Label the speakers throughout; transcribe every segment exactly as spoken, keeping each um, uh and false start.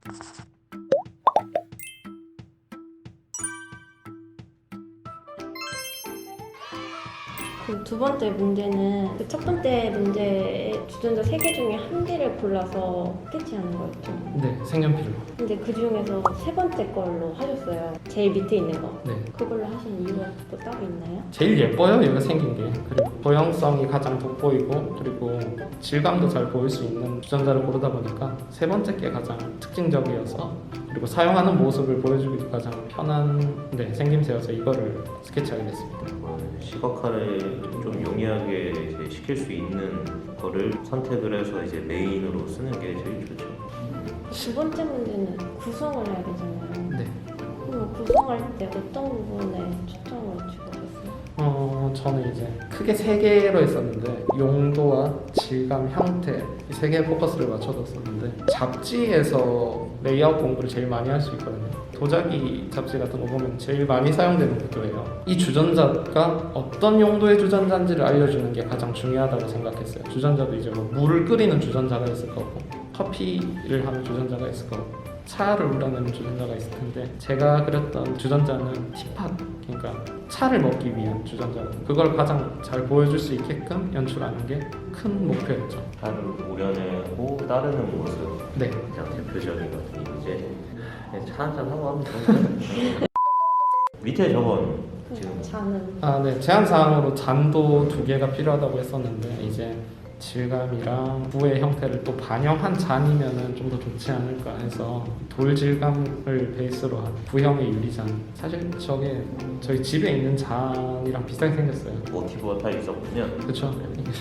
Speaker 1: 그 두 번째 문제는 그 첫 번째 문제의 주전자 세 개 중에 한 개를 골라서 스케치하는 거였죠.
Speaker 2: 네, 색연필로.
Speaker 1: 근데 그 중에서 세 번째 걸로 하셨어요. 제일 밑에 있는 거.
Speaker 2: 네.
Speaker 1: 그걸로 하신 이유가 또 따로 있나요?
Speaker 2: 제일 예뻐요, 얘가 생긴 게. 그리고 도형성이 가장 돋보이고 그리고 질감도 잘 보일 수 있는 주전자를 고르다 보니까 세 번째 게 가장 특징적이어서 그리고 사용하는 모습을 보여주기도 가장 편한 네, 생김새여서 이거를 스케치하게 됐습니다.
Speaker 3: 시각화를 좀 용이하게 이제 시킬 수 있는 거를 선택을 해서 이제 메인으로 쓰는 게 제일 좋죠.
Speaker 1: 두 번째 문제는 구성을 해야 되잖아요.
Speaker 2: 네.
Speaker 1: 그럼 구성할 때 어떤 부분에 초점을 주고 계세요?
Speaker 2: 어, 저는 이제 크게 세 개로 했었는데 용도와 질감, 형태 이 세 개에 포커스를 맞춰뒀었는데 잡지에서 레이아웃 공부를 제일 많이 할 수 있거든요. 도자기 잡지 같은 거 보면 제일 많이 사용되는 구도예요. 이 주전자가 어떤 용도의 주전자인지를 알려주는 게 가장 중요하다고 생각했어요. 주전자도 이제 뭐 물을 끓이는 주전자가 있을 거고 커피를 하는 주전자가 있을 거고 차를 우려내는 주전자가 있을 텐데 제가 그렸던 주전자는 티팟, 그러니까 차를 먹기 위한 주전자, 그걸 가장 잘 보여줄 수 있게끔 연출하는 게 큰 목표였죠.
Speaker 3: 차를 우려내고 따르는 모습,
Speaker 2: 네.
Speaker 3: 가장 대표적인 것이 이제 차 한잔 하고 하면 좋은데 밑에 저건 지금
Speaker 1: 잔은
Speaker 2: 아, 네. 제한 사항으로 잔도 두 개가 필요하다고 했었는데 이제 질감이랑 부의 형태를 또 반영한 잔이면은 좀 더 좋지 않을까 해서 돌 질감을 베이스로 한 부형의 유리잔. 사실 저게 저희 집에 있는 잔이랑 비슷하게 생겼어요.
Speaker 3: 모티브가 다 있었군요.
Speaker 2: 그렇죠.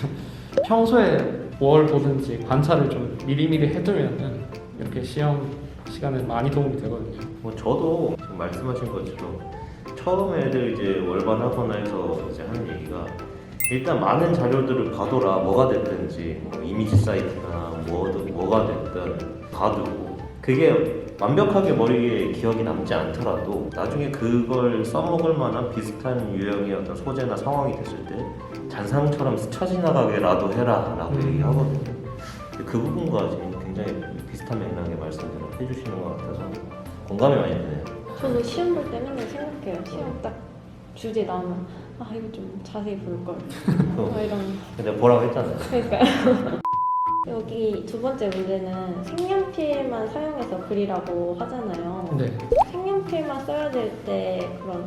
Speaker 2: 평소에 뭘 보든지 관찰을 좀 미리미리 해두면은 이렇게 시험 시간에 많이 도움이 되거든요.
Speaker 3: 뭐 저도 지금 말씀하신 것처럼 처음에 애들 이제 월반 하거나 해서 이제 하는 얘기가 일단 많은 자료들을 봐둬라. 뭐가 됐든지 뭐 이미지 사이트나 뭐든 뭐가 됐든 봐두고 그게 완벽하게 머리에 기억이 남지 않더라도 나중에 그걸 써먹을 만한 비슷한 유형의 어떤 소재나 상황이 됐을 때 잔상처럼 스쳐 지나가게라도 해라 라고
Speaker 2: 음.
Speaker 3: 얘기하거든요. 그 부분과 지금 굉장히 비슷한 맥락의 말씀들을 해주시는 것 같아서 공감이 많이 되네요.
Speaker 1: 저도 시험 볼 때 맨날 생각해요. 시험 딱 주제 나오면 아 이거 좀 자세히 볼걸 뭐 이런
Speaker 3: 근데 보라고 했잖아요.
Speaker 1: 그러니까요. 여기 두 번째 문제는 색연필만 사용해서 그리라고 하잖아요.
Speaker 2: 네.
Speaker 1: 색연필만 써야 될 때 그런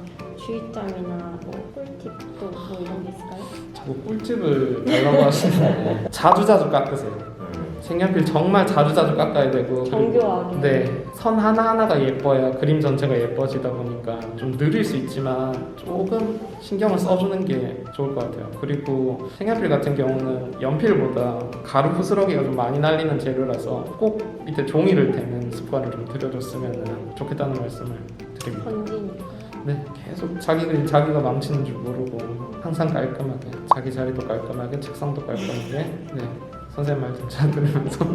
Speaker 1: 주의점이나 뭐 꿀팁도 뭐 이런 게 있을까요?
Speaker 2: 자꾸 꿀팁을 달라고 하시는데 자주 자주 깎으세요.
Speaker 3: 음.
Speaker 2: 색연필 정말 자주 자주 깎아야 되고
Speaker 1: 정교하게.
Speaker 2: 네, 선 하나하나가 예뻐야 그림 전체가 예뻐지다 보니까 좀 느릴 수 있지만 조금 신경을 써주는 게 좋을 것 같아요. 그리고 색연필 같은 경우는 연필보다 가루 부스러기가 좀 많이 날리는 재료라서 꼭 밑에 종이를 대는 습관을 좀 들여줬으면 좋겠다는 말씀을 드립니다.
Speaker 1: 번지니까.
Speaker 2: 네, 계속 자기 그림 자기가 망치는 줄 모르고 항상 깔끔하게 자기 자리도 깔끔하게 책상도 깔끔하게 네, 선생님 말씀 잘 들으면서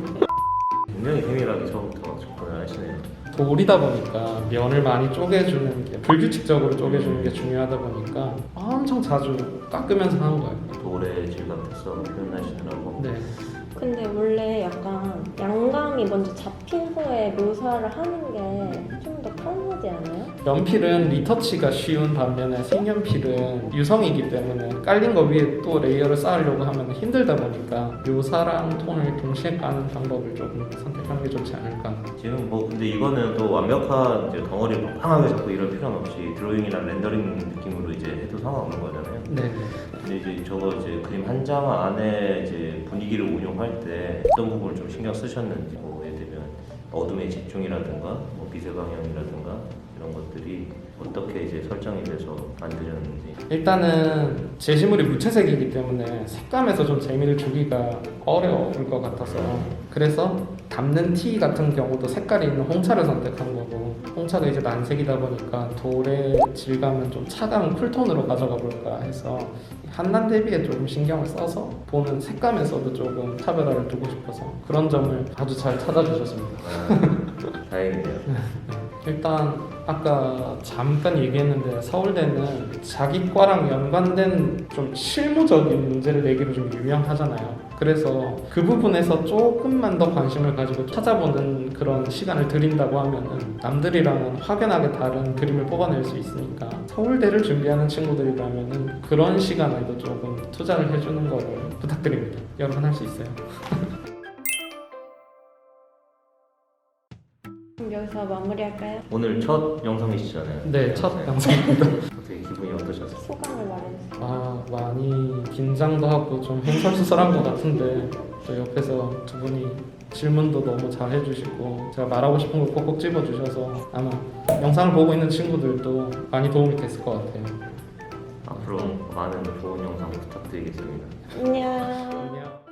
Speaker 3: 굉장히 세밀하게 처음부터 접근을 하시네요.
Speaker 2: 돌이다 보니까 면을 많이 쪼개주는 게 불규칙적으로 쪼개주는 게 중요하다 보니까 엄청 자주 깎으면서 하는 거예요.
Speaker 3: 돌의 질감 특성을 표현하시느라고.
Speaker 2: 네,
Speaker 1: 근데 원래 약간 양감이 먼저 잡힌 후에 묘사를 하는 게 좀 더 편하지 않아요?
Speaker 2: 연필은 리터치가 쉬운 반면에 색연필은 유성이기 때문에 깔린 거 위에 또 레이어를 쌓으려고 하면 힘들다 보니까 묘사랑 톤을 동시에 까는 방법을 조금 선택하는 게 좋지 않을까.
Speaker 3: 지금 뭐 근데 이거는 또 완벽한 이제 덩어리를 빵빵하게 잡고 이럴 필요는 없이 드로잉이나 렌더링 느낌으로 이제 해도 상관없는 거잖아요.
Speaker 2: 네,
Speaker 3: 근데 이제 저거 이제 그림 한 장 안에 이제 분위기를 운용할 때 어떤 부분을 좀 신경 쓰셨는지, 뭐 예를 들면 어둠의 집중이라든가 뭐 빛의 방향이라든가 이런 것들이 어떻게 이제 설정이 돼서 만들었는지.
Speaker 2: 일단은 제시물이 무채색이기 때문에 색감에서 좀 재미를 주기가 어려울 것 같아서 그래서 담는 티 같은 경우도 색깔이 있는 홍차를 선택한 거고 홍차가 이제 난색이다 보니까 돌의 질감은 좀 차가운 쿨톤으로 가져가 볼까 해서 한난 대비에 조금 신경을 써서 보는 색감에서도 조금 차별화를 두고 싶어서 그런 점을 아주 잘 찾아주셨습니다.
Speaker 3: 아, 다행이네요.
Speaker 2: 일단 아까 잠깐 얘기했는데 서울대는 자기 과랑 연관된 좀 실무적인 문제를 내기로 좀 유명하잖아요. 그래서 그 부분에서 조금만 더 관심을 가지고 찾아보는 그런 시간을 드린다고 하면은 남들이랑은 확연하게 다른 그림을 뽑아낼 수 있으니까 서울대를 준비하는 친구들이라면은 그런 시간에도 조금 투자를 해주는 거를 부탁드립니다. 여러분 할 수 있어요.
Speaker 1: 그럼 여기서 마무리할까요?
Speaker 3: 오늘 첫 영상이시잖아요.
Speaker 2: 네, 첫 영상입니다.
Speaker 3: 어떻게 기분이 어떠셨어요?
Speaker 1: 소감을 말해주세요.
Speaker 2: 아, 많이 긴장도 하고 좀 횡설수설한 것 같은데 또 옆에서 두 분이 질문도 너무 잘 해주시고 제가 말하고 싶은 걸 꼭꼭 집어주셔서 아마 영상을 보고 있는 친구들도 많이 도움이 됐을 것 같아요.
Speaker 3: 앞으로 많은 좋은 영상 부탁드리겠습니다.
Speaker 1: 안녕.
Speaker 2: 안녕.